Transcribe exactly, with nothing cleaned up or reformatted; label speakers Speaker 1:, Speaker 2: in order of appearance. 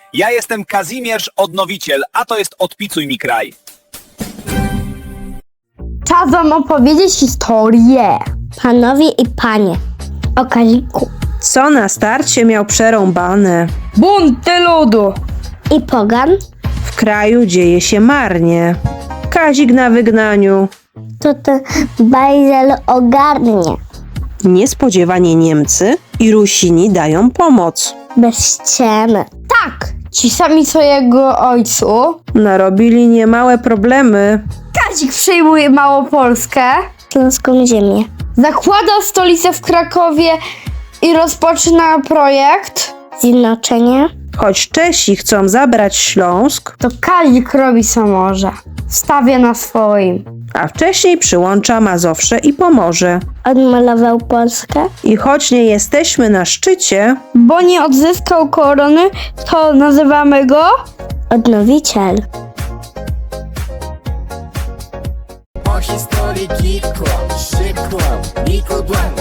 Speaker 1: Ja jestem Kazimierz Odnowiciel, a to jest Odpicuj mi kraj.
Speaker 2: Czas wam opowiedzieć historię.
Speaker 3: Panowie i panie, o Kaziku
Speaker 4: Co na starcie miał przerąbane.
Speaker 2: Bunty ludu.
Speaker 3: i Pogan
Speaker 4: W kraju dzieje się marnie. Kazik na wygnaniu.
Speaker 3: to ten bajzel ogarnie.
Speaker 4: Niespodziewanie Niemcy i Rusini dają pomoc.
Speaker 3: Bez ściemy.
Speaker 2: Tak, ci sami co jego ojcu.
Speaker 4: Narobili niemałe problemy.
Speaker 2: Kazik przejmuje Małopolskę,
Speaker 3: Śląską ziemię.
Speaker 2: zakłada stolicę w Krakowie i rozpoczyna projekt.
Speaker 3: Zjednoczenie
Speaker 4: Choć Czesi chcą zabrać Śląsk,
Speaker 2: To Kazik robi co może. Stawia na swoim.
Speaker 4: a wcześniej przyłącza Mazowsze i Pomorze.
Speaker 3: odmalował Polskę.
Speaker 4: I choć nie jesteśmy na szczycie,
Speaker 2: Bo nie odzyskał korony, to nazywamy go
Speaker 3: Odnowiciel.
Speaker 5: Po historii kitło, szybko, nikudłam.